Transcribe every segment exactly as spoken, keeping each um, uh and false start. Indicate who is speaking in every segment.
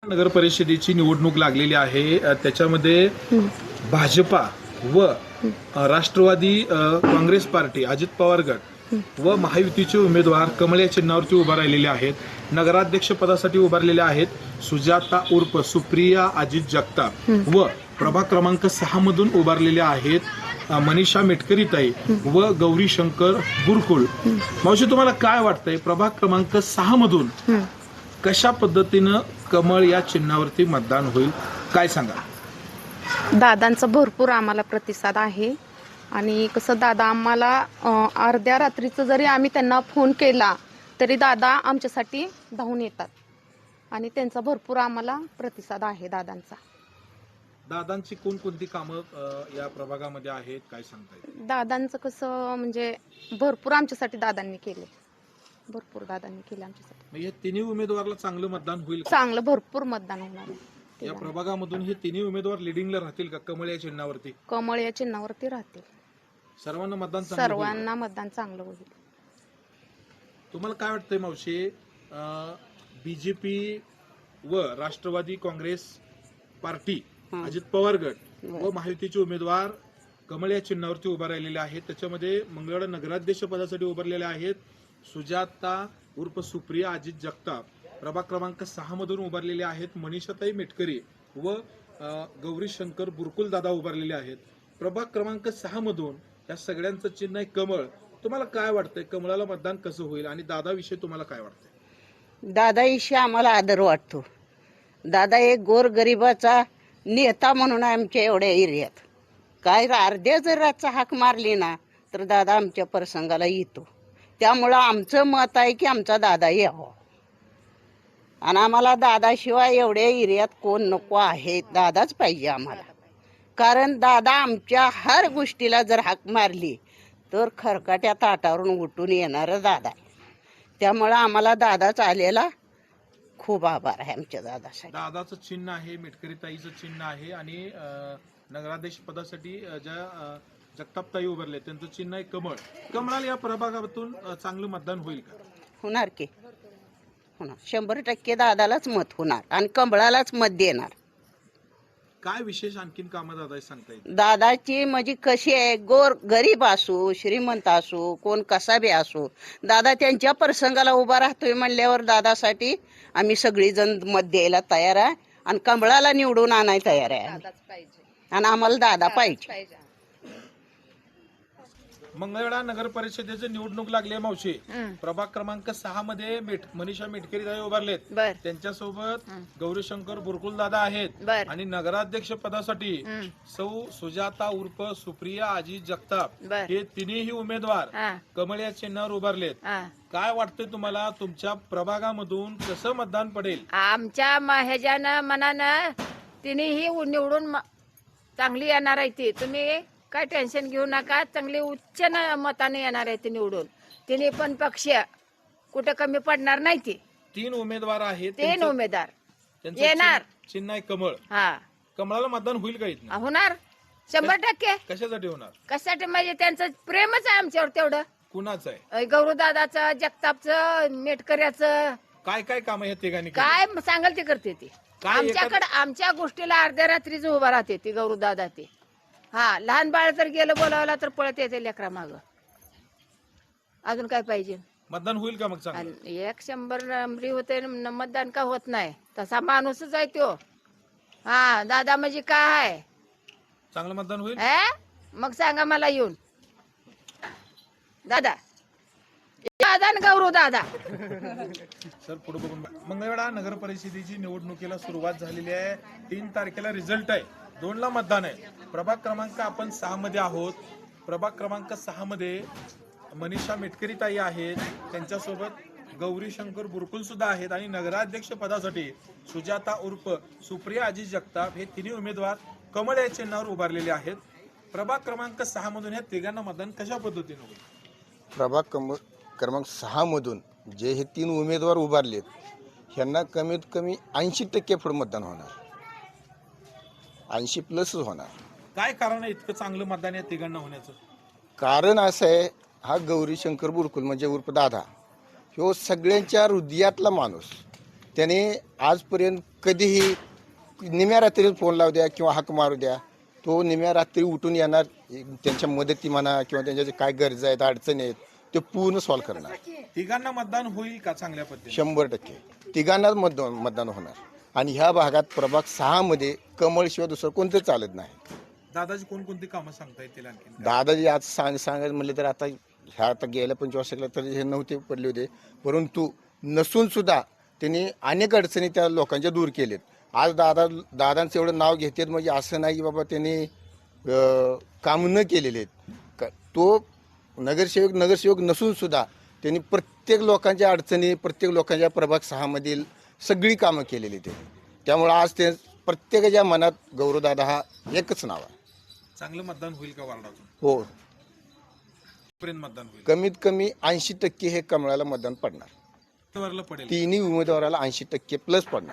Speaker 1: नगर परिषदेची निवडणूक लागलेली आहे. त्याच्यामध्ये भाजपा व राष्ट्रवादी काँग्रेस पार्टी, अजित पवार गट व महायुतीचे उमेदवार कमळ या चिन्हावरती उभा राहिलेले आहेत. नगराध्यक्ष पदासाठी उभारलेले आहेत सुजाता उर्फ सुप्रिया अजित जगताप व प्रभाग क्रमांक सहा मधून उभारलेले आहेत मनीषा मेटकरीताई व गौरी शंकर बुरकुळ. मावशी, तुम्हाला काय वाटतंय, प्रभाग क्रमांक सहा मधून कशा पद्धतीनं कमळ या चिन्हावरती मतदान होईल, काय सांगा?
Speaker 2: दादांचा भरपूर आम्हाला प्रतिसाद आहे आणि कसं दादा आम्हाला अर्ध्या रात्रीचं जरी आम्ही त्यांना फोन केला तरी दादा आमच्यासाठी धावून येतात आणि त्यांचा भरपूर आम्हाला प्रतिसाद आहे दादांचा.
Speaker 1: दादांची कोणकोणती कामं या प्रभागामध्ये आहेत, काय सांगता येईल?
Speaker 2: दादांचं कसं म्हणजे भरपूर आमच्यासाठी दादांनी केले, भरपूर दादांनी केले आमच्यासाठी.
Speaker 1: हे तिन्ही उमेदवाराला चांगलं मतदान होईल?
Speaker 2: चांगलं भरपूर मतदान होणार आहे.
Speaker 1: या प्रभागामधून हे तिन्ही उमेदवार लिडिंगला राहतील का कमळ या चिन्हावरती?
Speaker 2: कमळ या चिन्हावरती राहतील.
Speaker 1: सर्वांना मतदान
Speaker 2: सर्वांना मतदान चांगलं होईल.
Speaker 1: तुम्हाला काय वाटतंय मावशी, बीजेपी व राष्ट्रवादी काँग्रेस पार्टी, अजित पवार गट व महायुतीचे उमेदवार कमळ या चिन्हावरती उभा राहिलेले आहेत. त्याच्यामध्ये मंगळवेढा नगराध्यक्ष पदासाठी उभारलेले आहेत सुजाता उर्फ सुप्रिया अजित जगताप. प्रभाग क्रमांक सहा मधून उभारलेले आहेत मनीषाताई मेटकरी व गौरी शंकर बुरकुल दादा उभारलेले आहेत. प्रभाग क्रमांक सहा मधून या सगळ्यांचं चिन्ह आहे कमळ. तुम्हाला काय वाटतंय, कमळाला मतदान कसं होईल आणि दादाविषयी तुम्हाला काय वाटतंय?
Speaker 3: दादाविषयी आम्हाला आदर वाटतो. दादा एक गोरगरिबाचा नेता म्हणून आमच्या एवढ्या एरियात काय अर्ध्या जर रातचा हाक मारली ना तर दादा आमच्या प्रसंगाला येतो. त्यामुळं आमचं मत आहे की आमचा दादा यावा आणि आम्हाला दादाशिवाय एवढ्या एरियात कोण नको आहे, दादाच पाहिजे आम्हाला. कारण दादा आमच्या हर गोष्टीला जर हाक मारली तर खरकाट्या ताटावरून उठून येणारं दादा आहे. त्यामुळं आम्हाला दादाच आलेला खूप आभार आहे आमच्या दादासाठी.
Speaker 1: दादाचं चिन्ह आहे, मेटकरीताईचं चिन्ह आहे आणि नगराध्यक्ष पदासाठी ज्या जगतापताई उभारले त्यांचं चिन्ह आहे कमळ. कमळाला या प्रभागातून चांगलं मतदान होईल का?
Speaker 3: होणार की होणार, शंभर टक्के दादालाच मत होणार आणि कमळालाच मत देणार.
Speaker 1: काय विशेष आणखीन कामं दादा सांगता येईल?
Speaker 3: दादाची म्हणजे कशी आहे, गोर गरीब असो श्रीमंत असो कोण कसा बी असो, दादा त्यांच्या प्रसंगाला उभा राहतोय म्हणल्यावर दादासाठी आम्ही सगळीजण मत द्यायला तयार आहे आणि कमळाला निवडून आणायला तयार आहे आणि आम्हाला दादा पाहिजे.
Speaker 1: मंगळवेढा नगर परिषदेची निवडणूक लागली आहे मावशी. प्रभाग क्रमांक सहा मध्ये मनीषा मेटकरी दादा उभारलेत, त्यांच्यासोबत गौरीशंकर बुरकुल दादा आहेत आणि नगराध्यक्ष पदासाठी सौ सुजाता उर्फ सुप्रिया अजित जगताप हे तिन्ही उमेदवार कमळ या चिन्हावर उभारलेत. काय वाटतंय तुम्हाला, तुमच्या प्रभागामधून कसं मतदान पडेल?
Speaker 4: आमच्या ह्याच्यानं मनानं तिन्ही निवडून चांगली येणार आहे ती. तुम्ही काय टेन्शन घेऊ नका, चांगली उच्च मताने येणार आहे ते निवडून. तिने पण पक्ष कुठं कमी पडणार नाही. ती
Speaker 1: तीन उमेदवार आहेत,
Speaker 4: तीन उमेदवार येणार.
Speaker 1: चिन्ह आहे कमळ.
Speaker 4: हा,
Speaker 1: कमळाला मतदान होईल का इथं?
Speaker 4: होणार शंभर टक्के.
Speaker 1: कशासाठी होणार?
Speaker 4: कशासाठी म्हणजे त्यांचं प्रेमच आहे आमच्यावर तेवढं.
Speaker 1: कुणाचं आहे?
Speaker 4: गौरवदादाचं, जगतापचं, मेटकऱ्याचं.
Speaker 1: काय काय काम आहे तिघांनी?
Speaker 4: काय सांगाल ते करते ती. आमच्याकडे आमच्या गोष्टीला अर्ध्या रात्रीच उभा राहते ती गौरवदादा. ते हा, लहान बाळ जर गेलं बोलावला तर पळत येते लेकरा माग. अजून काय पाहिजे?
Speaker 1: मतदान होईल का मग चांगलं?
Speaker 4: एक शंभर नंबरी होते, मतदान का होत नाही. तसा माणूसच आहे तो. हा, दादा म्हणजे काय आहे,
Speaker 1: चांगलं मतदान होईल.
Speaker 4: मग सांगा मला येऊन. दादा दादा गौरव दादा.
Speaker 1: सर पुढे बघून. मंगळवेढा नगर परिषदेची निवडणुकीला सुरुवात झालेली आहे. तीन तारखेला रिझल्ट आहे, दोन ला मतदान आहे. प्रभाग क्रमांक आपण सहा मध्ये आहोत. प्रभाग क्रमांक सहा मध्ये मनीषा मेटकरी ताई आहेत, त्यांच्यासोबत गौरी शंकर बुरकुल सुद्धा आहेत आणि नगराध्यक्ष पदासाठी सुजाता उर्फ सुप्रिया अजित जगताप हे तिन्ही उमेदवार कमळ या चिन्हावर उभारलेले आहेत. प्रभाग क्रमांक सहा मधून या तिघांना मतदान कशा पद्धतीने होईल?
Speaker 5: प्रभाग क्रम क्रमांक सहा मधून जे हे तीन उमेदवार उभारलेत ह्यांना कमीत कमी ऐंशी टक्के पुढे मतदान होणार, ऐंशी प्लसच होणार.
Speaker 1: काय कारण आहे इतकं चांगलं मतदान या तिघांना होण्याचं?
Speaker 5: कारण असं आहे, हा गौरी शंकर बुरकुल म्हणजे उर्फ दादा ह्यो सगळ्यांच्या हृदयातला माणूस. त्याने आजपर्यंत कधीही निम्या रात्री फोन लावू द्या किंवा हाक मारू द्या, तो निम्या रात्री उठून येणार, त्यांच्या मदती म्हणा किंवा त्यांच्या जे काय गरजा आहेत अडचणी आहेत ते पूर्ण सॉल्व्ह करणार.
Speaker 1: तिघांना मतदान होईल का चांगल्या पद्धतीने?
Speaker 5: शंभर टक्के तिघांनाच मतदान मतदान होणार. आणि ह्या भागात प्रभाग सहा मध्ये कमळशिवाय दुसरं कोणतं चालत नाही.
Speaker 1: दादाजी कोणकोणती कामं सांगता येतील आणखी?
Speaker 5: दादाजी आज सांग सांगायचं म्हणले तर आता ह्या आता गेल्या पंचवीस वर्षाला तर हे नव्हते पडले होते, परंतु नसून सुद्धा त्यांनी अनेक अडचणी त्या लोकांच्या दूर केलेत. आज दादा दादांचं एवढं नाव घेतात म्हणजे असं नाही की बाबा त्यांनी अं, काम न केलेले आहेत. क- तो नगरसेवक नगरसेवक नसून सुद्धा त्यांनी प्रत्येक लोकांच्या अडचणी, प्रत्येक लोकांच्या प्रभाग सहामधील सगळी कामं केलेली आहेत. त्यामुळे आज ते प्रत्येकाच्या मनात गौरवदादा हा एकच नाव आहे.
Speaker 1: चांगलं मतदान होईल का वार्डातून?
Speaker 5: हो,
Speaker 1: पर्यंत मतदान होईल?
Speaker 5: कमीत कमी ऐंशी टक्के हे कमळाला मतदान पडणार.
Speaker 1: वरला पडेल.
Speaker 5: तिन्ही उमेदवाराला ऐंशी टक्के प्लस पडणार.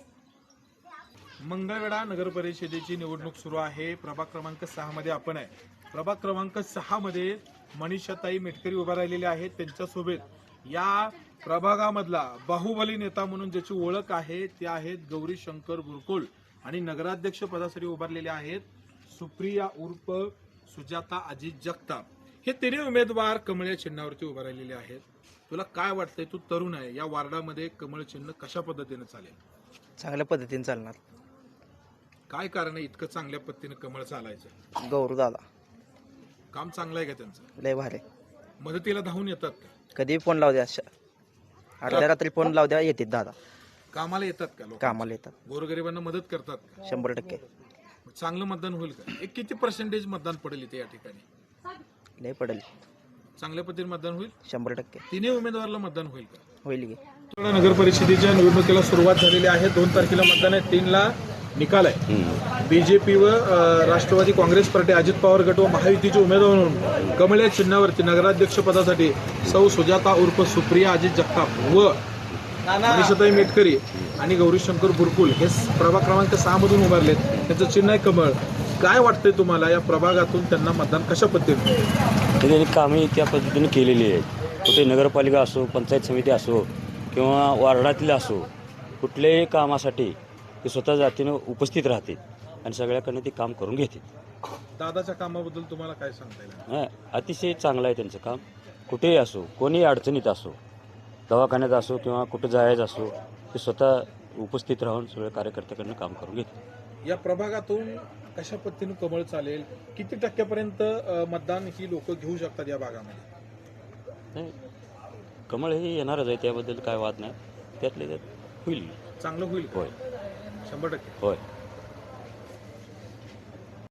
Speaker 1: मंगळवेढा नगर परिषदेची निवडणूक सुरू आहे. प्रभाग क्रमांक सहा मध्ये आपण आहे. प्रभाग क्रमांक सहा मध्ये मनीषाताई मेटकरी उभा राहिलेले आहेत. त्यांच्यासोबत या प्रभागामधला बाहुबली नेता म्हणून ज्याची ओळख आहे ते आहेत गौरी शंकर बुरकुल आणि नगराध्यक्ष पदासाठी उभारलेले आहेत सुप्रिया उर्फ सुजाता अजित जगताप. हे तिन्ही उमेदवार कमळ या चिन्हावरती उभा राहिलेले आहेत. तुला काय वाटतंय, तू तरुण आहे, या वार्डामध्ये कमळ चिन्ह कशा पद्धतीने चालेल?
Speaker 6: चांगल्या पद्धतीने चालणार.
Speaker 1: काय कारण आहे इतकं चांगल्या पद्धतीने कमळ चालायचं?
Speaker 6: गौरू दादा
Speaker 1: काम चांगलं आहे का त्यांचं?
Speaker 6: लय भारी.
Speaker 1: मदतीला धावून येतात का?
Speaker 6: कधी फोन लावू द्या, अर्ध्या रात्री फोन लावू द्या, येतात दादा.
Speaker 1: कामाला येतात का लोक?
Speaker 6: कामाला येतात.
Speaker 1: गोरगरिबांना मदत करतात का?
Speaker 6: शंभर टक्के.
Speaker 1: चांगलं मतदान होईल का? एक किती पर्सेंटेज मतदान पडेल इथे या ठिकाणी?
Speaker 6: लय पडेल.
Speaker 1: चांगल्या पद्धतीने मतदान होईल?
Speaker 6: शंभर टक्के
Speaker 1: तिन्ही उमेदवाराला मतदान होईल का?
Speaker 6: होईल की.
Speaker 1: नगर परिषदेच्या निवडणुकीला सुरुवात झालेली आहे. दोन तारखेला मतदान आहे, तीनला निकाल आहे. बीजेपी व अ, राष्ट्रवादी काँग्रेस पार्टी, अजित पवार गट व महायुतीचे उमेदवार म्हणून कमळ या चिन्हावरती नगराध्यक्ष पदासाठी सौ सुजाता उर्फ सुप्रिया अजित जगताप व मनीषाताई मेटकरी आणि गौरी शंकर बुरकुल हे प्रभाग क्रमांक सहा मधून उभारलेत. त्यांचं चिन्ह आहे कमळ. काय वाटतंय तुम्हाला, या प्रभागातून त्यांना मतदान कशा पद्धतीने?
Speaker 7: त्यांनी कामे त्या पद्धतीने केलेली आहेत. कुठे नगरपालिका असो, पंचायत समिती असो किंवा वार्डातील असो, कुठल्याही कामासाठी ते स्वतः जातीनं उपस्थित राहतील आणि सगळ्याकडनं ते काम करून घेतील.
Speaker 1: दादाच्या कामाबद्दल तुम्हाला काय सांगता येईल?
Speaker 7: हां, अतिशय चांगलं आहे त्यांचं काम. कुठेही असो, कोणीही अडचणीत असो, दवाखान्यात असो किंवा कुठं जायचं असो, ते स्वतः उपस्थित राहून सगळ्या कार्यकर्त्याकडनं काम करून घेतील.
Speaker 1: या प्रभागातून कशा पद्धतीने कमळ चालेल? किती टक्क्यापर्यंत अ, मतदान ही लोक घेऊ शकतात या भागामध्ये?
Speaker 7: नाही, कमळ हे येणारच आहे, त्याबद्दल काय वाद नाही. त्यातले त्यात होईल.
Speaker 1: चांगलं होईल का?
Speaker 7: होय,
Speaker 1: शंभर टक्के.
Speaker 7: होय.